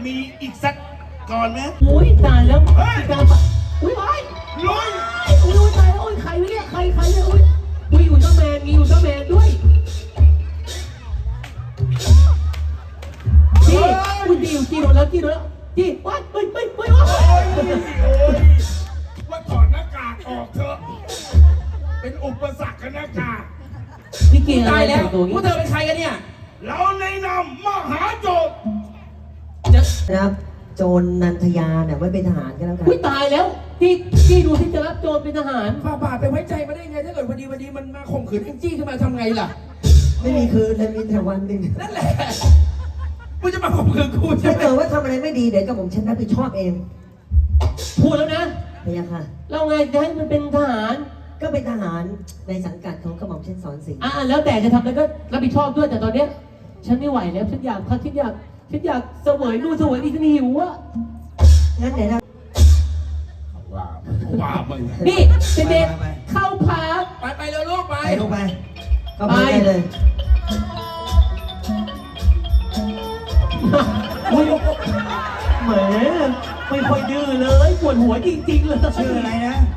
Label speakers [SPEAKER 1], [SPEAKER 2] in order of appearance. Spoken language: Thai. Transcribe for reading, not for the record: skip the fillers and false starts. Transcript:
[SPEAKER 1] มีอีกสักก่อนไหม
[SPEAKER 2] อุ้ยตายแล้ว
[SPEAKER 1] เฮ้ย
[SPEAKER 2] การอุ้ยไอ้
[SPEAKER 1] ลุย
[SPEAKER 2] อุ้ยตายแล้วอุ้ยใครวะเนี่ยใครเนี่ยอุ้ยอุลตร้าแมนมีอุลตร้าแมนด้วยจี้อุ้ยจี้โดนแล้วจี้ว้ายเฮ้ยว้าย
[SPEAKER 1] โอ้ยว่าถอดหน้ากากออกเถอะเป็นอุปสรรคกับหน้ากาก
[SPEAKER 2] นี่เกี่ยวอะไร
[SPEAKER 3] ตายแล้ว
[SPEAKER 2] ตัว
[SPEAKER 3] พวกเธอเป็นใครกันเนี่ย
[SPEAKER 1] เราในนามมหาโจร
[SPEAKER 4] นะครับโจรนันทยาเนี่ยไว้เป็นทหารกันแล้วกัน
[SPEAKER 2] อุ้ยตายแล้วจี้ดูที่จะรับโจรเป็นทหาร
[SPEAKER 3] ฝ่าบาทไปไว้ใจมาได้ไงถ้าเกิดวันดีมันมาข่มขืนแองจี้ขึ้นมาทำไงล่ะ
[SPEAKER 4] ไม่มีคืนเลยมีแต่วันหนึ่ง
[SPEAKER 3] นั่นแหละมึงจะมาข่มขืนกูใช่
[SPEAKER 4] ถ้า
[SPEAKER 3] ไหม
[SPEAKER 4] เกิดว่าทำอะไรไม่ดีเดี๋ยวกับผมฉันรับผิดชอบเอง
[SPEAKER 2] พูดแล้วนะ
[SPEAKER 4] พะยะค่ะ
[SPEAKER 2] เราไงจะให้มันเป็นทหาร
[SPEAKER 4] ก็เป็นทหารในสังกัดของกระหม่อมเช่นสอนสิงห์
[SPEAKER 2] แล้วแต่จะทำอะไรก็รับผิดชอบด้วยแต่ตอนเนี้ยฉันไม่ไหวแล้วฉันอยากเสวยนู่นเสวยนี่ฉันหิวอะ
[SPEAKER 4] งั้นเดี๋ยวเรา
[SPEAKER 1] ว่ามึง
[SPEAKER 2] นี่เด็กๆเข้าพัก
[SPEAKER 3] ไปเร็วลูกไป
[SPEAKER 4] ไปลงไปก็ไปได้เลย
[SPEAKER 2] อุ้ยแหมไม่ค่อยดื้อเลยปวดหัวจริงๆเลย
[SPEAKER 4] ชื่ออะไรนะ